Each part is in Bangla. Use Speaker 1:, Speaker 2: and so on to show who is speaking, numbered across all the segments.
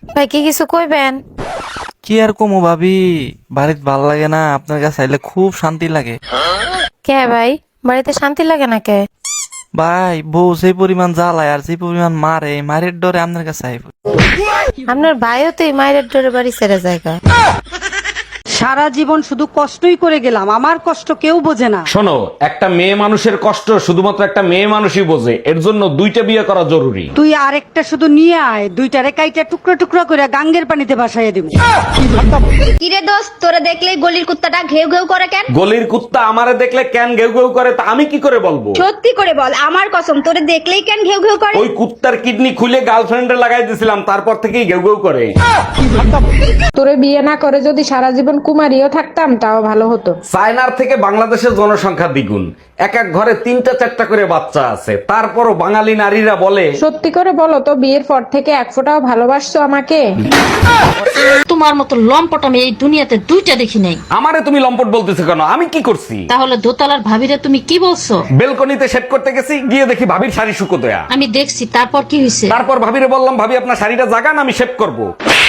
Speaker 1: ভাই কি কিছু কইবেন?
Speaker 2: কি আর কমো ভাবি, বাড়িতে ভাল লাগে না, আপনার কাছে আইলে খুব শান্তি লাগে।
Speaker 1: কে ভাই, বাড়িতে শান্তি লাগে না কে?
Speaker 2: ভাই বউ যে পরিমাণ জ্বালায় আর যে পরিমাণ মারে, মারের ডরে আপনার কাছে আইব।
Speaker 1: আপনার ভাইও তো এই মায়ের ডোরে বাড়ি ছেড়ে জায়গা।
Speaker 3: সারা জীবন শুধু কষ্টই করে গেলাম, আমার কষ্ট কেউ বোঝে না।
Speaker 4: শোনো, একটা মেয়ে মানুষের কষ্ট শুধুমাত্র একটা মেয়ে মানুষই বোঝে, এর জন্য দুইটা বিয়ে করা জরুরি।
Speaker 3: তুই আরেকটা শুধু নিয়ে আয়, দুইটারে কাইটা টুকরো টুকরো করে গাঙ্গের পানিতে ভাসাইয়া দিব।
Speaker 5: কিরে দোস্ত, তোরা দেখলে গলির কুত্তাটা ঘেউ ঘেউ করে কেন?
Speaker 4: গলির কুত্তা আমারে দেখলে কেন ঘেউ ঘেউ করে তা আমি কি করে বলবো?
Speaker 5: সত্যি করে বল, আমার কসম, তোরে দেখলেই কেন ঘেউ ঘেউ করে?
Speaker 4: ওই কুত্তার কিডনি খুলে গার্লফ্রেন্ডে লাগাই দিয়েছিলাম, তারপর থেকেই ঘেউ ঘেউ করে।
Speaker 6: তোরে বিয়ে না করে যদি সারা জীবন কুমারীও থাকতাম তাও ভালো হতো।
Speaker 4: চায়নার থেকে বাংলাদেশের জনসংখ্যা দ্বিগুণ, এক এক ঘরে 3টা-4টা করে বাচ্চা আছে, তারপরও বাঙালি নারীরা বলে।
Speaker 6: সত্যি করে বলো তো, বিয়ের পর থেকে এক ফোঁটাও ভালোবাসছো আমাকে?
Speaker 7: তোমার মতো লম্পট আমি এই দুনিয়াতে দুইটা দেখি নাই।
Speaker 4: আমারে তুমি লম্পট বলতেছো কেন? আমি কি করছি?
Speaker 7: তাহলে দোতলার ভাবিরে তুমি কি বলছো?
Speaker 4: বেলকনিতে সেট করতে গেছি, গিয়ে দেখি ভাবির শাড়ি শুকো দেয়া।
Speaker 7: আমি দেখছি, তারপর কি হয়েছে?
Speaker 4: তারপর ভাবিরে বললাম, ভাবি আপনার শাড়িটা জাগান, আমি শেভ করব।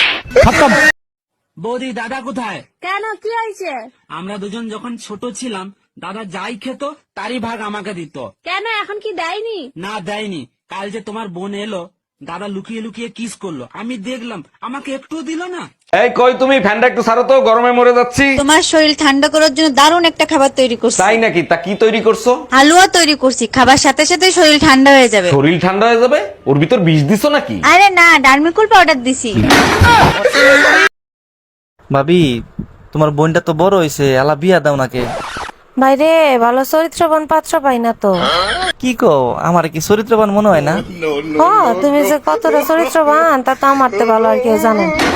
Speaker 8: বৌদি, দাদা কোথায়?
Speaker 5: কেন, কি হয়েছে?
Speaker 8: আমরা দুজন যখন ছোট ছিলাম, দাদা যাই খেত তারই ভাগ আমাকে দিত।
Speaker 5: কেন, এখন কি দেয়নি?
Speaker 8: না দেয়নি। কাল যে তোমার বোন এলো, দাদা লুকিয়ে লুকিয়ে কিস করলো, আমি দেখলাম, আমাকে একটুও দিল না।
Speaker 4: এই কই তুমি, ফ্যানটা একটু ছাড়ো তো, গরমে মরে যাচ্ছি।
Speaker 9: তোমার শরীর ঠান্ডা করার জন্য দারুণ একটা খাবার তৈরি করছি।
Speaker 4: তাই নাকি? তা কি তৈরি করছো?
Speaker 9: হালুয়া তৈরি করছি, খাবার সাথে সাথে শরীর ঠান্ডা হয়ে যাবে।
Speaker 4: শরীর ঠান্ডা হয়ে যাবে? ওর ভিতর বিষ দিছো নাকি?
Speaker 9: আরে না, ডার্মিকুল পাউডার দিছি।
Speaker 2: ভাবি তোমার বোনটা তো বড় হয়েছে, আলা বিয়া দাও নাকে।
Speaker 1: বাইরে ভালো চরিত্রবান পাত্র পাই না তো।
Speaker 2: কি কো, আমার কি চরিত্রবান মনে হয় না?
Speaker 1: তুমি যে কতটা চরিত্রবান তা তো আমার তো ভালো আর কেউ জানে না।